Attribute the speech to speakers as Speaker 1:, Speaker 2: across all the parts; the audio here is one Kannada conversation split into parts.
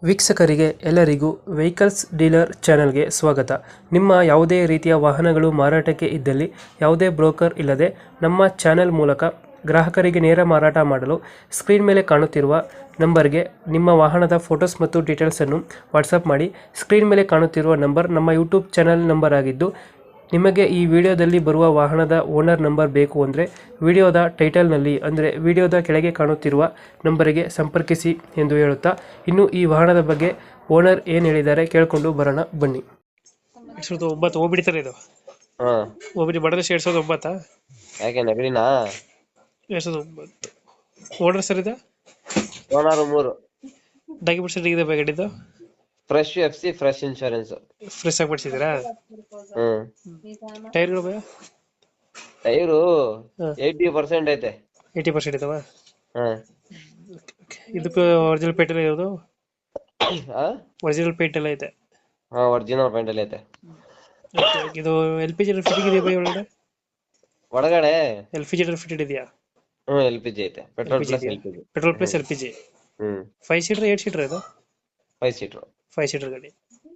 Speaker 1: ವೀಕ್ಷಕರಿಗೆ ಎಲ್ಲರಿಗೂ ವೆಹಿಕಲ್ಸ್ ಡೀಲರ್ ಚಾನೆಲ್ಗೆ ಸ್ವಾಗತ. ನಿಮ್ಮ ಯಾವುದೇ ರೀತಿಯ ವಾಹನಗಳು ಮಾರಾಟಕ್ಕೆ ಇದ್ದಲ್ಲಿ ಯಾವುದೇ ಬ್ರೋಕರ್ ಇಲ್ಲದೆ ನಮ್ಮ ಚಾನೆಲ್ ಮೂಲಕ ಗ್ರಾಹಕರಿಗೆ ನೇರ ಮಾರಾಟ ಮಾಡಲು ಸ್ಕ್ರೀನ್ ಮೇಲೆ ಕಾಣುತ್ತಿರುವ ನಂಬರ್ಗೆ ನಿಮ್ಮ ವಾಹನದ ಫೋಟೋಸ್ ಮತ್ತು ಡೀಟೇಲ್ಸನ್ನು ವಾಟ್ಸಪ್ ಮಾಡಿ. ಸ್ಕ್ರೀನ್ ಮೇಲೆ ಕಾಣುತ್ತಿರುವ ನಂಬರ್ ನಮ್ಮ ಯೂಟ್ಯೂಬ್ ಚಾನೆಲ್ ನಂಬರ್ ಆಗಿದ್ದು, ನಿಮಗೆ ಈ ವಿಡಿಯೋದಲ್ಲಿ ಬರುವ ವಾಹನದ ಓನರ್ ನಂಬರ್ ಬೇಕು ಅಂದರೆ ವಿಡಿಯೋದ ಟೈಟಲ್ನಲ್ಲಿ ಅಂದರೆ ವಿಡಿಯೋದ ಕೆಳಗೆ ಕಾಣುತ್ತಿರುವ ನಂಬರಿಗೆ ಸಂಪರ್ಕಿಸಿ ಎಂದು ಹೇಳುತ್ತಾ, ಇನ್ನು ಈ ವಾಹನದ ಬಗ್ಗೆ ಓನರ್ ಏನು ಹೇಳಿದ್ದಾರೆ ಕೇಳಿಕೊಂಡು ಬರೋಣ ಬನ್ನಿ. 2009 ಓಬಿಡಿತಾರೆ ಇದು.
Speaker 2: ಹಾ
Speaker 1: ಓಬಿಡಿ ಮಾಡಲ್ 2009.
Speaker 2: ಯಾಕೆ ನೆಗಡಿನಾ?
Speaker 1: 2009 ಓನರ್ ಸರ್ ಇದು.
Speaker 2: ಓನರ್ 3.
Speaker 1: ಡಾಕ್ಯುಮೆಂಟ್ಸ್ ಇದೆ ಗಾಡಿದು.
Speaker 2: Fresh FC, fresh insurance.
Speaker 1: Fresh ಆಗಿ ಮಾಡಿಸಿದ್ದೀರಾ? ಟೈರ್ಗಳು ಭಯ
Speaker 2: ಟೈರು 80% ಐತೆ.
Speaker 1: 80% ಇದಾವ.
Speaker 2: ಹಾ
Speaker 1: ಇದಕ್ಕೆ ಒರಿಜಿನಲ್ ಪೇಂಟ್ ಎಲ್ಲ ಇರೋದು? ಒರಿಜಿನಲ್ ಪೇಂಟ್ ಎಲ್ಲ ಐತೆ.
Speaker 2: ಹಾ ಒರಿಜಿನಲ್ ಪೇಂಟ್ ಅಲ್ಲಿ ಐತೆ.
Speaker 1: ಇದು ಎಲ್ ಪಿ ಜಿ ಫಿಟ್ಟಿಂಗ್ ಇದೆಯಾ ಭಯ ಒಳಗಡೆ?
Speaker 2: ಒಳಗಡೆ
Speaker 1: ಎಲ್ ಪಿ ಜಿ ಫಿಟೆಡ್ ಇದೆಯಾ?
Speaker 2: LPG ಐತೆ. Petrol plus LPG.
Speaker 1: Petrol plus L P G. 5 seater 8 seater ಇದು?
Speaker 2: 5 ಸೀಟರ್.
Speaker 1: 5 ಸೀಟರ್ ಗಾಡಿ.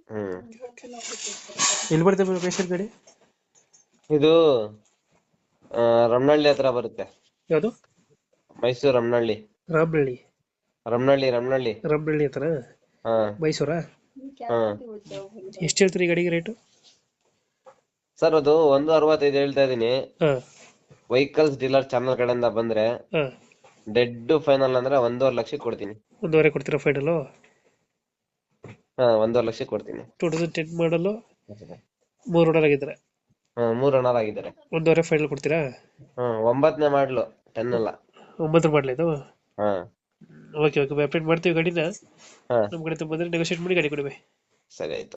Speaker 1: ಎಲ್ಲಿ ಬರ್ತದೆ ಲೊಕೇಶನ್ ಗಾಡಿ?
Speaker 2: ಇದು ರಮನಹಳ್ಳಿ ಹತ್ರ ಬರುತ್ತೆ.
Speaker 1: ಯಾವುದು?
Speaker 2: ಮೈಸೂರು ರಮನಹಳ್ಳಿ.
Speaker 1: ರಾಮನಹಳ್ಳಿ
Speaker 2: ರಮನಹಳ್ಳಿ
Speaker 1: ಹತ್ರ?
Speaker 2: ಹಾ
Speaker 1: ಮೈಸೂರಾ?
Speaker 2: ಹಾ.
Speaker 1: ಎಷ್ಟು ಹೇಳ್ತೀರಿ ಈ ಗಾಡಿಗೆ ರೇಟು?
Speaker 2: ಸರ್ ಅದು 165 ಹೇಳ್ತಾ ಇದೀನಿ.
Speaker 1: ಹಾ
Speaker 2: ವೆಹಿಕಲ್ಸ್ ಡೀಲರ್ ಚಾನಲ್ ಕಡೆಯಿಂದ ಬಂದ್ರೆ
Speaker 1: ಹಾ
Speaker 2: ಡೆಡ್ ಫೈನಲ್ ಅಂದ್ರೆ 1.5 ಲಕ್ಷಕ್ಕೆ ಕೊಡ್ತೀನಿ.
Speaker 1: 1.5 ಕೊಡ್ತೀರಾ ಫೈನಲ್?
Speaker 2: ಹಾ 1.5 ಲಕ್ಷಕ್ಕೆ ಕೊಡ್ತೀನಿ.
Speaker 1: 2010 ಮಾಡಲು 3 ಓನರ್ ಆಗಿದ್ದಾರೆ.
Speaker 2: 3 ರನ್ನರ್ ಆಗಿದ್ದಾರೆ.
Speaker 1: 1.5 ಫೈನಲ್ ಕೊಡ್ತೀರಾ?
Speaker 2: 9ನೇ ಮಾಡ್ಲು 10 ಅಲ್ಲ.
Speaker 1: 9 ಮಾಡಲಿ ಇದು.
Speaker 2: ಹಾ
Speaker 1: ಓಕೆ ಅಪ್ಡೇಟ್ ಮಾಡ್ತೀವಿ ಗಾಡಿನ.
Speaker 2: ಹಾ
Speaker 1: ನಮ್ಮ ಕಡೆ ಬಂದ್ರೆ ನೆಗೋಶಿಯೇಟ್ ಮಾಡಿ ಗಾಡಿ ಕೊಡಿ.
Speaker 2: ಸರಿ ಆಯ್ತು.